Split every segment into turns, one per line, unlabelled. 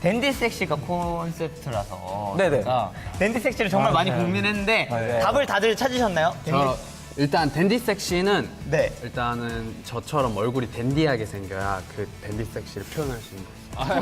댄디 섹시가 콘셉트라서
네네.
제가 댄디 섹시를 정말 많이 고민했는데
네.
답을 다들 찾으셨나요?
저 일단 댄디 섹시는
네.
일단은 저처럼 얼굴이 댄디하게 생겨야 그 댄디 섹시를 표현할 수 있는 거예요.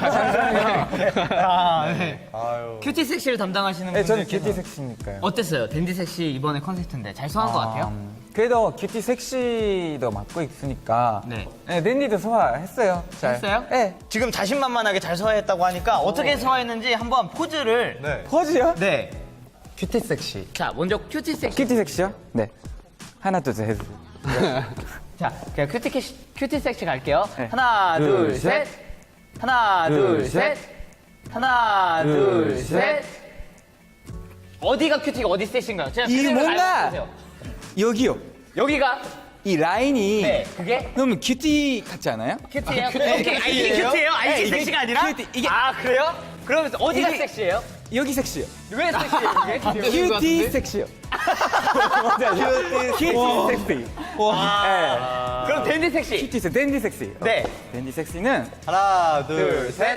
아, 네. 큐티 섹시를 담당하시는
네, 저는
분들께서
큐티 섹시니까요.
어땠어요? 댄디 섹시 이번에 컨셉트인데 잘 소화한 것 같아요?
그래도 큐티 섹시도 맡고 있으니까
네.
네, 댄디도 소화했어요. 잘.
했어요?
네.
지금 자신만만하게 잘 소화했다고 하니까 어떻게 소화했는지 한번 포즈를
포즈요?
네.
큐티 섹시.
자, 먼저 큐티 섹시.
큐티 섹시요? 네. 하나, 둘, 셋.
자, 그냥 큐티 섹시 갈게요.
네.
하나,
둘,
둘, 셋. 하나, 둘, 셋. 하나, 둘, 셋. 어디가 큐티가 어디 섹시인가요? 제가
이
그림을
뭔가-
알려주세요.
여기요.
여기가
이 라인이
네, 그게
너무 큐티 같지 않아요?
큐티예요? 이게 큐티예요?
네,
이게
이게
섹시가 아니라?
큐티, 이게-
아, 그래요? 그러면서 어디가
이게-
섹시해요?
여기 섹시요.
왜 섹시해요? 이게?
큐티 섹시요. 큐티 섹시.
그럼 댄디 섹시.
큐티 섹시, 댄디 섹시.
네.
댄디 섹시는
하나, 둘, 셋.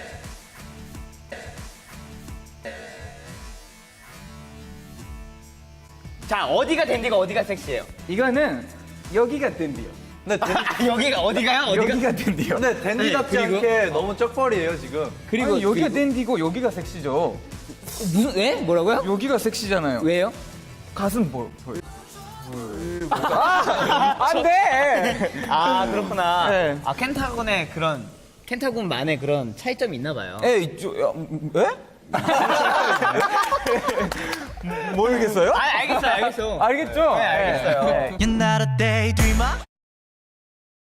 자, 어디가 댄디가 어디가 섹시해요?
이거는 여기가 댄디요.
여기가 어디가요? 어디가?
여기가 댄디요.
근데 댄디답지
그리고?
않게 너무 쩍벌이에요 지금.
그리고 여기가 댄디고 여기가 섹시죠.
무슨 왜? 뭐라고요?
여기가 섹시잖아요.
왜요?
가슴 보여. 안 돼.
아, 그렇구나.
네.
아, 켄타곤의 그런 켄타곤만의 그런 차이점이 있나 봐요.
에 이쪽 에? 모르겠어요?
아, 알겠어요.
알겠죠?
네, 알겠어요.
네.
You're not a daydreamer.